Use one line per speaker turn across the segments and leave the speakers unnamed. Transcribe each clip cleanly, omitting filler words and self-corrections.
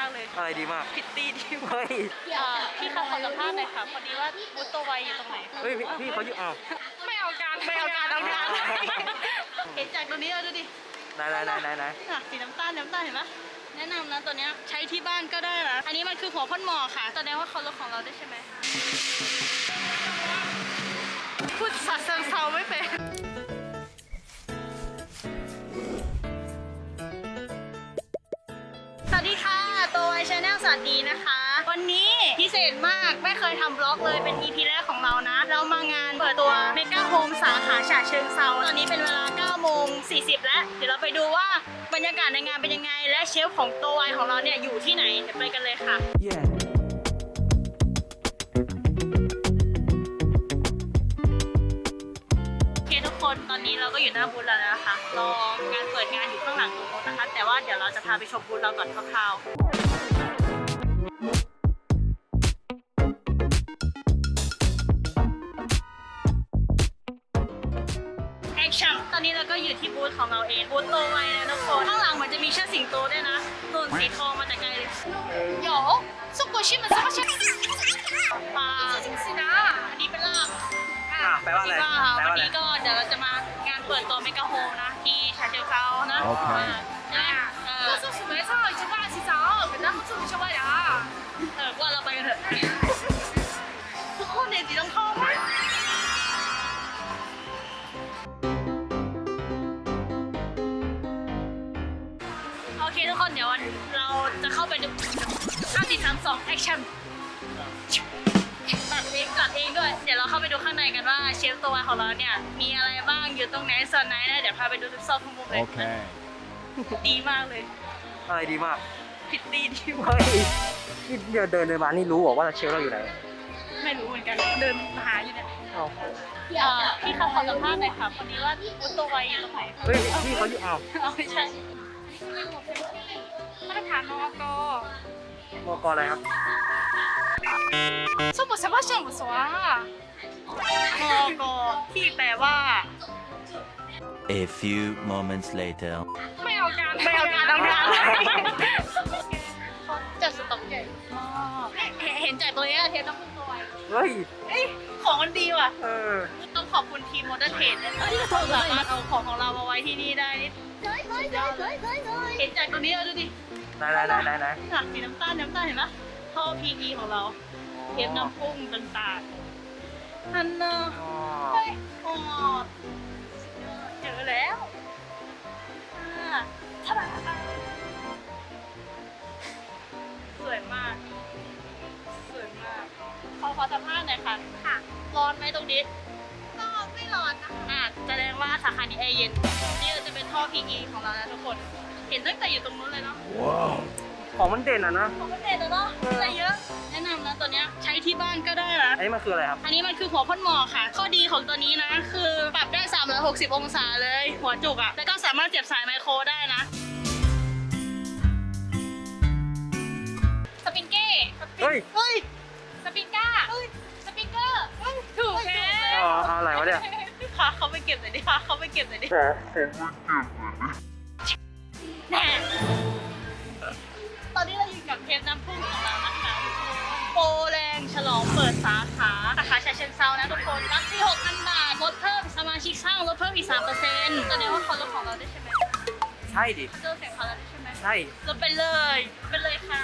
เลย
ใช่ดีมาก
ผิดตีดีมา
เฮ้
ก
ย
พี่คะขอสัมภาษณ์หน่อยค่ะพอดีว่าบูธตัวไวอยู่ตรงไหน
เฮ้ยพี่เขาอยู่อ้าว
ไม่เอาการเอาการเห็นจากตัวนี้เลยดูดิ
ไหน
สีน้ำตาลเห็นปะแนะนำนะตัวเนี้ยใช้ที่บ้านก็ได้นะอันนี้มันคือหัวพ่นหมอค่ะแสดงว่าเขารถของเราได้ใช่ไหมพูดสัตว์เซาไม่เป็นสวัสดีค่ะตัวไวชาแนลสวัสดีนะคะ วันนี้พิเศษมากไม่เคยทำบล็อกเลยเป็น EP แรกของเรานะเรามางานเปิดตัวเมกาโฮมสาขาฉะเชิงเซาตอนนี้เป็นเวลา 9:40 แล้วเดี๋ยวเราไปดูว่าบรรยากาศในงานเป็นยังไงและเชฟของตัวไวของเราเนี่ยอยู่ที่ไหนเดี๋ยวไปกันเลยค่ะ
Yeah.
โอเคทุกคนตอนนี้เราก็อยู่หน้าบูธแล้วนะคะรองานเปิดงานอยู่ข้างหลังตรงนู้นนะคะแต่ว่าเดี๋ยวเราจะพาไปชมบูธเราก่อนคร่าวๆตอนนี้เราก็อยู่ที่บูธของเราเองบูธโตไวนะทุกคนข้างหลังเหมือนจะมีเชือกสิงโตด้วยนะนุ่นสีทองมาแต่ไกลเลย有中国新闻这么像ปลาจริงๆนะอันนี้เป็นลาบ
แปลว่าอะไร
วันนี้ก็เดี๋ยวเราจะมางานเปิดตัวเมกะโฮมนะที่ฉะเชิงเทรานะ
โอเค
ก็สู้สวยเศร้าอีกจังหวะสิเจ้าเป็นนักสู้ชาวบ้านว่าเราไปกันเถอะทุกคนเนี่ยสีต้องทองไหมโอเคทุกคนเดี๋ยวเราจะเข้าไปดู5 4 3 2แอคชั่นตัดเองด้วยเดี๋ยวเราเข้าไปดูข้างในกันว่าเชฟตัวของเราเนี่ยมีอะไรบ้างอยู่ตรงไหนส่วนไหนนะเดี๋ยวพาไปดูทุกซอกทุกมุมเลย
Okay.
ดีมากเลย
ใช่ดีมาก
ผิดตีดีมาก
เฮ้ยนี่เดินมานี่รู้บอกว่าเชลเราอยู่ไหน
ไม่รู้เหมือนกันเดินหาอยู่เนี่ย
เอ้า
พี่คะขอสัมภาษณ์หน่อยค่ะพอดีว่าบูธตัวไวอยู่ตรงไหน
เฮ้ยพี่เขาอยู่อ้าว
เอาไม่ใช่มาตรฐานมอก
มกอะไรครับ
สมบูรณ์สมบูรณ์สมบูรณ์มอกที่แปลว่า
A few moments later.
ไม่เอาการเอาการจัดสต็อกใหญ่มากเห็นจากตัวนี้เทปต้องพูดตัวไว
เฮ้ย
ของมันดีว่ะ ต้องขอบคุณทีมโมเดอร์เทรดนะคะที่สามารถเอาของเรามาไว้ที่นี่ได้นี่เห็นจากตัวนี้ดูดิ
ไหน
สีน้ำตาลเห็นปะท่อ PE ของเราเทปน้ำพุ่งต่างๆอันน่ะ
อ๋อ
เฮ้ยโอ้เจอแล้วท่าดาสวยมากขอสัมภาษณ์หน่อยค่ะร้อนไหมตรงนี้ก็ไม่ร้อนนะคะแสดงว่าสาขานี้แอร์เย็นนี่จะเป็นท่อ PE ของเรานะทุกคนเห็นตั้งแต่อยู่ตรงนู้นเลยเนาะ
Wow. ของมันเด่นอ่ะนะ
ของมันเด็ดแล้วเนาะอะไรเยอะแนะนำนะตัวเนี้ยใช้ที่บ้านก็ได้นะ
อันนี้มันคืออะไรครับ
อันนี้มันคือหัวพ่นหมอกค่ะ ข้อดีของตัวนี้นะ คือปรับได้360องศาเลย หัวจุกอะแล้วก็สามารถเสียบสายไมโครได้นะ สปริงเก้
เฮ้ย
สปริงก้าสปริงเกอร์ถูกแล้ว
เอาอะไรวะเนี่ย
พาเขาไปเก็บหน่อยดิแน่ตอนนี้เราอยู่กับเทปน้ำพุ่งของเรานะคะโปรแรงฉลองเปิดสาขาฉะเชิงเทรานะทุกคนรับที่ 6,000 บาทลดเพิ่มสมาชิกสร้างลดเพิ่มอีก 3%แสดงว่าเขาลดของเราได้ใช่ไหม
ใช่ดิ
เจอเสียงเขาแล้วได้ใช่ไหม
ใช่
ลดไปเลยค่ะ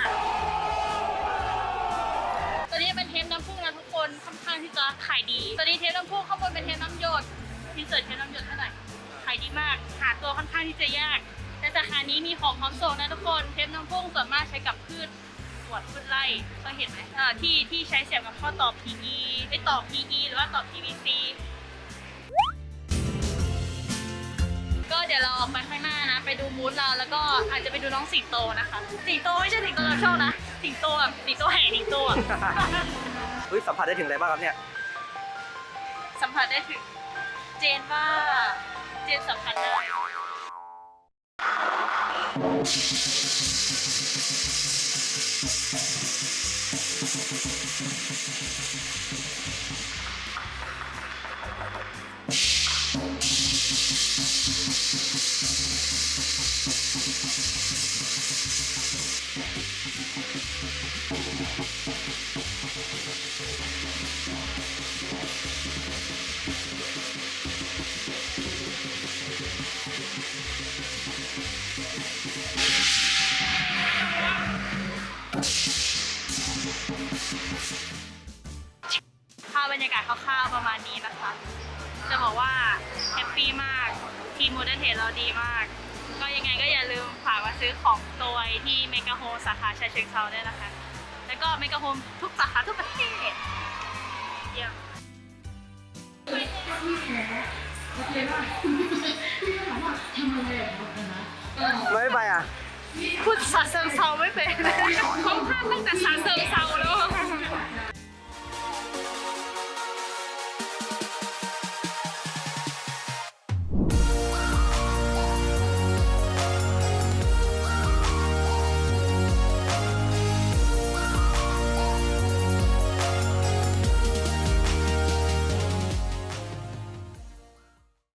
ตัวนี้เป็นเทปน้ำพุ่งนะทุกคนค่อนข้างที่จะขายดีตัวนี้เทปน้ำพุ่งข้างบนเป็นเทปน้ำหยดที่เสิร์ชเทปน้ำหยดเท่าไหร่ขายดีมากหาตัวค่อนข้างที่จะยากแต่สาขานี้มีของพร้อมส่งนะทุกคนเทปน้ำพุ่งส่วนมากใช้กับพืชสวนพืชไร่เคยเห็นไหมที่ใช้เสียบกับข้อต่อ PE ไปต่อ PE หรือว่าต่อ PVC ก็เดี๋ยวเราออกไปข้างหน้านะไปดูบูธเราแล้วก็อาจจะไปดูน้องสิงโตนะคะสิงโตไม่ใช่สิงโตเราชอบนะสิงโตแบบสิงโตแห่สิงโตอ่ะ
เฮ้ยสัมผัสได้ถึงอะไรบ้างครับเนี่ย
สัมผัสได้ถึงเจนสัมผัสได้าศคร่าวๆประมาณนี้นะคะ จะบอกว่าแฮปปี้มากทีมโมเดิร์นเทรดเราดีมาก ก็ยังไงก็อย่าลืมฝากมาซื้อของตัวที่เมกะโฮมสาขาฉะเชิงเทราได้นะคะ แล้วก็เมกะโฮมทุกสาขาทุกประเทศเยี่ยม
ไม่ไปอ่ะ
พูดภาษาเชิงเทราไม่เป็น